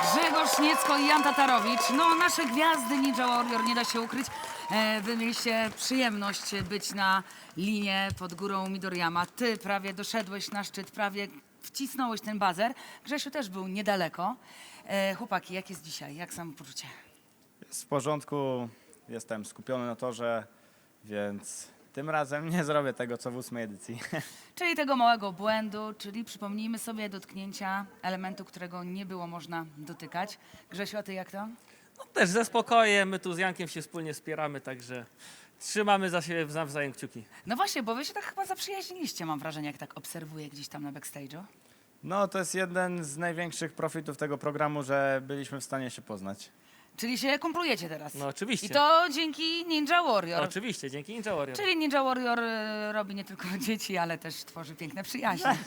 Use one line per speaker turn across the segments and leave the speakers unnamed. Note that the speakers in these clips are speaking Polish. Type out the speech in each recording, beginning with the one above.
Grzegorz Niecko i Jan Tatarowicz. No, nasze gwiazdy Ninja Warrior, nie da się ukryć. Wy mieliście przyjemność być na linie pod górą Midoriyama. Ty prawie doszedłeś na szczyt, prawie wcisnąłeś ten bazer. Grzesiu też był niedaleko. Chłopaki, jak jest dzisiaj? Jak samopoczucie?
Jest w porządku, jestem skupiony na torze, więc tym razem nie zrobię tego, co w 8. edycji.
Czyli tego małego błędu, czyli przypomnijmy sobie dotknięcia elementu, którego nie było można dotykać. Grzesiu, a ty jak to?
No, też ze spokojem, my tu z Jankiem się wspólnie wspieramy, także trzymamy za siebie nawzajem kciuki.
No właśnie, bo wy się tak chyba zaprzyjaźniliście, mam wrażenie, jak tak obserwuję gdzieś tam na backstage'u.
No, to jest jeden z największych profitów tego programu, że byliśmy w stanie się poznać.
Czyli się kumplujecie teraz.
No oczywiście.
I to dzięki Ninja Warrior.
Oczywiście, dzięki Ninja Warrior.
Czyli Ninja Warrior robi nie tylko dzieci, ale też tworzy piękne przyjaźnie.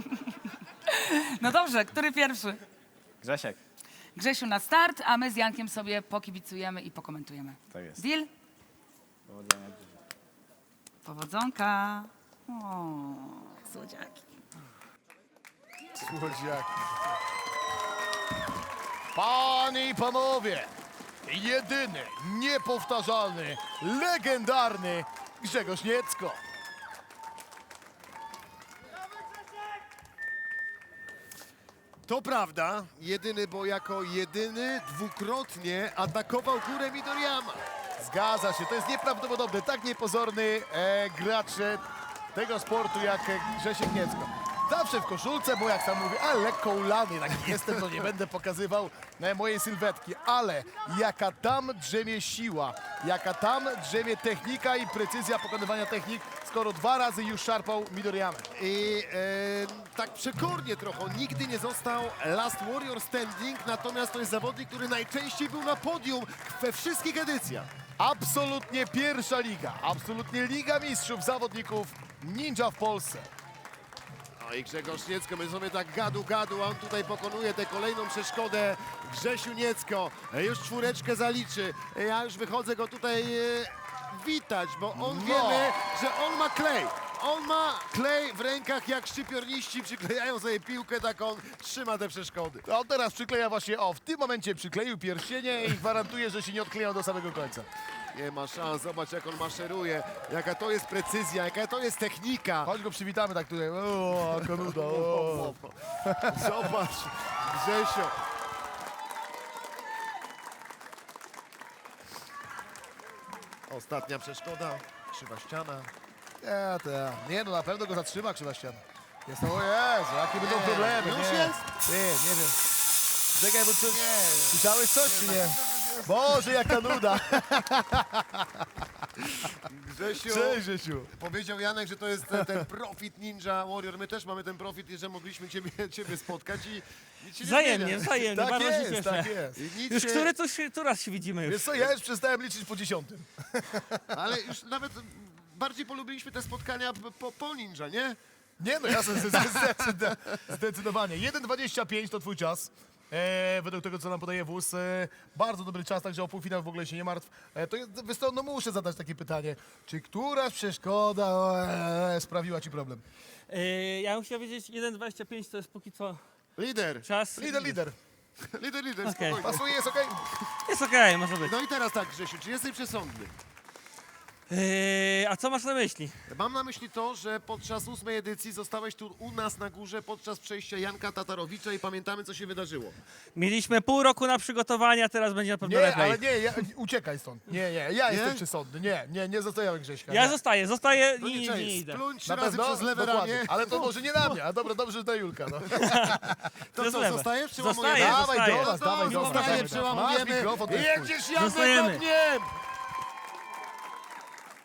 No dobrze, który pierwszy?
Grzesiek,
Grzesiu na start, a my z Jankiem sobie pokibicujemy i pokomentujemy.
tak jest.
Deal?
Powodzenia.
Powodzonka. O, słodziaki.
Słodziaki. Panie i panowie, jedyny, niepowtarzalny, legendarny Grzegorz Niecko. To prawda, jedyny, bo jako jedyny dwukrotnie atakował górę Midoriyama. Zgadza się, to jest nieprawdopodobne, tak niepozorny gracz tego sportu jak Grzesiek Niecko. Zawsze w koszulce, bo jak sam mówię, ale lekko ulany, taki jestem, to nie będę pokazywał mojej sylwetki, ale jaka tam drzemie siła, jaka tam drzemie technika i precyzja pokonywania technik, skoro 2 razy już szarpał Midoriyamę. I tak przekornie trochę, on nigdy nie został Last Warrior Standing, natomiast to jest zawodnik, który najczęściej był na podium we wszystkich edycjach. Absolutnie pierwsza liga, absolutnie Liga Mistrzów zawodników ninja w Polsce. No i Grzegorz Niecko, my sobie tak gadu, a on tutaj pokonuje tę kolejną przeszkodę. Grzesiu Niecko już 4 zaliczy. Ja już wychodzę go tutaj witać, bo on wiemy, że on ma klej. On ma klej w rękach, jak szczypiorniści przyklejają sobie piłkę, tak on trzyma te przeszkody. A on teraz przykleja właśnie, w tym momencie przykleił pierścienie i gwarantuje, że się nie odkleją do samego końca. Nie ma szans, zobacz jak on maszeruje, jaka to jest precyzja, jaka to jest technika. Chodź go przywitamy tak tutaj, konuda, Zobacz, Grzesio. Ostatnia przeszkoda, krzywa ściana. Nie, no na pewno go zatrzyma krzywa ściana. Jest to, o Jezu, jakie będą problemy. Już jest? Nie wiem. Czekaj, bo coś, słyszałeś coś czy nie? Boże, jaka nuda. Grzesiu, cześć Grzesiu. Powiedział Janek, że to jest ten profit Ninja Warrior. My też mamy ten profit, że mogliśmy ciebie spotkać i nic się nie
Wzajemnie,
zmienia. Tak
bardzo się
jest,
cieszę.
tak jest. I nic
Już
się...
który raz się widzimy już.
Wiesz co, ja już przestałem liczyć po 10. Ale już nawet bardziej polubiliśmy te spotkania po ninja, nie? Nie no, jasne, zdecydowanie. 1:25 to twój czas. Według tego, co nam podaje wóz, bardzo dobry czas, także o półfinał w ogóle się nie martw. To jest, wiesz co, no muszę zadać takie pytanie. Czy któraś przeszkoda sprawiła ci problem?
Ja bym chciał wiedzieć, 1:25 to jest póki co
Lider.
czas.
Lider.
Okej.
Spokojnie. Pasuje, jest okej?
Jest okej, może być.
No i teraz tak, Grzesiu, czy jesteś przesądny?
A co masz na myśli?
Mam na myśli to, że podczas 8. edycji zostałeś tu u nas na górze podczas przejścia Janka Tatarowicza i pamiętamy, co się wydarzyło.
Mieliśmy pół roku na przygotowania, teraz będzie na pewno
Nie,
lepiej.
ale nie, uciekaj stąd. Nie, ja jestem przesądny. Nie zostawiamy Grześka.
Ja
nie.
zostaję
No
i
nie,
nie idę.
Spluń 3 Na razy
No,
przez lewe
dokładnie.
ramię. Ale to może nie na mnie, a dobrze, że to Julka. No. To
Przez
co,
lewe.
zostajesz?
Zostaję.
Dawaj do nas,
Zostaję,
dawaj,
zostaję.
przełamujemy.
Masz mikrofon,
Jedziesz Janek
Zostajemy.
ogniem!